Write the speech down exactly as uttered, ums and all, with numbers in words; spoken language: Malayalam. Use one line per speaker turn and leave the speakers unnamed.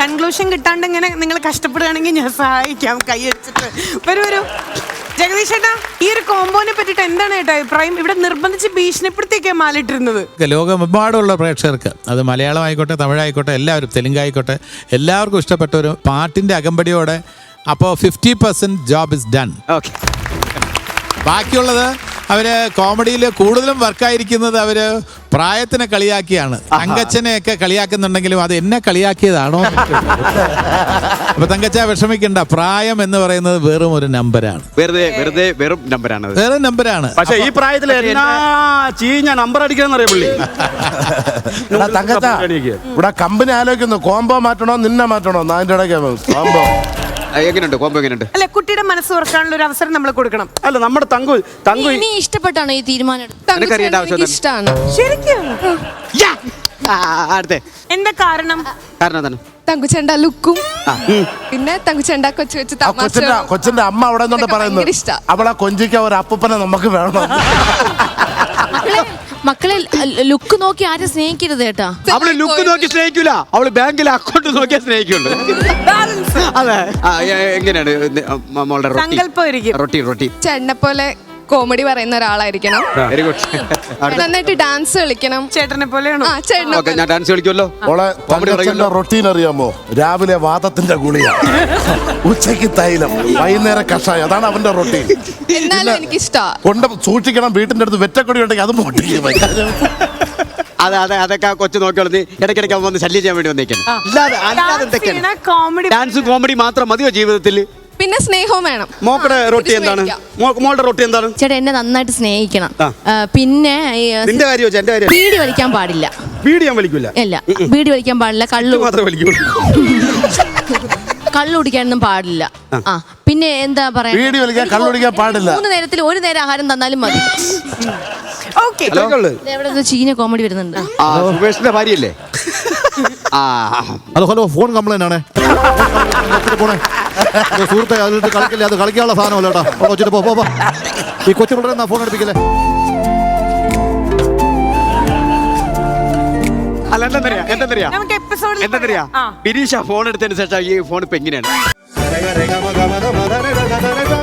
കൺക്ലൂഷൻ കിട്ടാണ്ട് ഇങ്ങനെ നിങ്ങൾ കഷ്ടപ്പെടുകയാണെങ്കിൽ ഞാൻ സഹായിക്കാം കൈ വെച്ചിട്ട്. വരൂ വരൂ ജഗദീഷ് ചേട്ടാ, ഈ ഒരു കോമ്പോനെ പറ്റിട്ട് എന്താണ് ചേട്ടാ അഭിപ്രായം? ഇവിടെ നിർബന്ധിച്ച് ഭീഷണിപ്പെടുത്തിയൊക്കെയാ മാലിട്ടിരുന്നത്.
ലോകമെമ്പാടുള്ള പ്രേക്ഷകർക്ക്, അത് മലയാളം ആയിക്കോട്ടെ, തമിഴായിക്കോട്ടെ, എല്ലാവരും, തെലുങ്കായിക്കോട്ടെ, എല്ലാവർക്കും ഇഷ്ടപ്പെട്ട ഒരു പാട്ടിന്റെ അകമ്പടിയോടെ. അപ്പോൾ fifty percent job is done.
Okay,
ബാക്കിയുള്ളത് അവര് കോമഡിയിൽ കൂടുതലും വർക്കായിരിക്കുന്നത് അവര് പ്രായത്തിനെ കളിയാക്കിയാണ്. തങ്കച്ചനെയൊക്കെ കളിയാക്കുന്നുണ്ടെങ്കിലും അത് എന്നെ കളിയാക്കിയതാണോ? അപ്പൊ തങ്കച്ച വിഷമിക്കണ്ട, പ്രായം എന്ന് പറയുന്നത് വെറും ഒരു നമ്പറാണ്.
വെറുതെ വെറുതെ വെറും നമ്പറാണ്,
വെറും നമ്പറാണ്.
പക്ഷെ ഈ പ്രായത്തിൽ എന്നാ ചീഞ്ഞ നമ്പർ അടിക്കണം അറിയാം പുള്ളി.
തങ്കച്ച ഇവിടെ കമ്പനി ആലോചിക്കുന്നു കോംബോ മാറ്റണോ നിന്നെ മാറ്റണോ? അതിന്റെ ഇടയ്ക്ക് കോംബോ
എങ്ങനെയുണ്ട്? കോമ്പോ എങ്ങനെയുണ്ട്?
അല്ലെ, കുട്ടിയുടെ മനസ്സ് തുറക്കാനുള്ള ഒരു അവസരം നമ്മൾ കൊടുക്കണം.
അല്ല, നമ്മുടെ തങ്കു തങ്കു
ഇനി ഇഷ്ടപ്പെട്ടാണോ ഈ തീരുമാനം?
എനിക്കറിയേണ്ട ആവശ്യം
ഇഷ്ടമാണ്.
ശരിക്കും
അടുത്തേ
എന്താ കാരണം?
കാരണം എന്താണ്?
തങ്കുച്ചേണ്ട ലുക്കും പിന്നെ തങ്കുച്ചേണ്ട കൊച്ചു കൊച്ചു
കൊച്ചിന്റെ കൊച്ചിന്റെ അമ്മ അവിടെ നിന്നോണ്ട് പറയുന്നത് അവളെ കൊഞ്ചിക്ക ഒരു അപ്പൂപ്പനെ നമുക്ക് വേണം.
മക്കളെ ലുക്ക് നോക്കി ആരും സ്നേഹിക്കരുത് കേട്ടാ.
അവള് ലുക്ക് നോക്കി സ്നേഹിക്കൂല, അവള് ബാങ്കിലെ അക്കൗണ്ട് നോക്കിയാ സ്നേഹിക്കുള്ളൂ. അതെ, എങ്ങനെയാണ് മോളുടെ റൊട്ടി? റൊട്ടി
ചേട്ടനെ പോലെ കോമഡി പറയുന്ന ഒരാളായിരിക്കണം.
Very good.
നന്നായിട്ട് ഡാൻസ് കളിക്കണം.
ചേട്ടനെ പോലെയാണോ?
ഞാൻ ഡാൻസ് കളിക്കുമല്ലോ.
മോളെ റൊട്ടീൻ അറിയാമോ? രാവിലെ വാദത്തിന്റെ ഗുളിക, ഉച്ചയ്ക്ക് തൈലം, വൈകുന്നേരം കഷായം, അതാണ് അവന്റെ റൊട്ടീൻ.
എന്നാലും എനിക്ക് ഇഷ്ടമാണ്.
കൊണ്ട് സൂക്ഷിക്കണം, വീട്ടിന്റെ അടുത്ത് വെറ്റക്കൊടി ഉണ്ടെങ്കിൽ അതും പൊട്ടിക്കും.
അതെ അതെ, അതൊക്കെ കൊച്ചു നോക്കിയോളൂ. ഇടയ്ക്കിടയ്ക്ക് വന്ന് ശല്യം ചെയ്യാൻ വേണ്ടി വന്നേക്കണം. അല്ലാതെ അല്ലാതെ എന്തൊക്കെയാണ്? ഡാൻസ് കോമഡി മാത്രം മതിയോ ജീവിതത്തിൽ?
പിന്നെ സ്നേഹവും വേണം.
മോക്കടെ റൊട്ടി എന്താണ്? മോളുടെ റൊട്ടി എന്താണ്?
ചേട്ടാ എന്നെ നന്നായിട്ട് സ്നേഹിക്കണം. പിന്നെ
നിന്റെ കാര്യം വെച്ചാ എന്റെ കാര്യം.
ബീഡി വലിക്കാൻ പാടില്ല.
ബീഡി ഞാൻ വലിക്കൂല.
ഇല്ല, ബീഡി വലിക്കാൻ പാടില്ല. കള്ളു
മാത്രമേ വലിക്കൂ.
കള്ളു കുടിക്കാനൊന്നും പാടില്ല. ആ പിന്നെ എന്താ പറയാ,
ബീഡി വലിക്കാൻ കള്ളു കുടിക്കാൻ പാടില്ല.
മൂന്ന് നേരത്തിൽ ഒരു നേരം ആഹാരം തന്നാലും മതി. എവിടെ ചീന കോമഡി വരുന്നുണ്ട്.
സുബേഷിന്റെ ഭാര്യയല്ലേ?
ഹലോ ഹലോ, ഫോൺ കംപ്ലൈന്റ് ആണേ. സുഹൃത്തെ, അതിലിട്ട് കളിക്കില്ല, അത് കളിക്കാനുള്ള സാധനമല്ല കേട്ടോ. കൊച്ചിട്ട് പോ പോ. ഈ കൊച്ചു പിള്ളേരെ ഫോൺ എടുപ്പിക്കല്ലേ.
അല്ല, എന്താ എന്താ എന്താ ബിനീഷ ഫോൺ എടുത്തതിന് ശേഷം ഈ ഫോൺ ഇപ്പൊ എങ്ങനെയാണ്?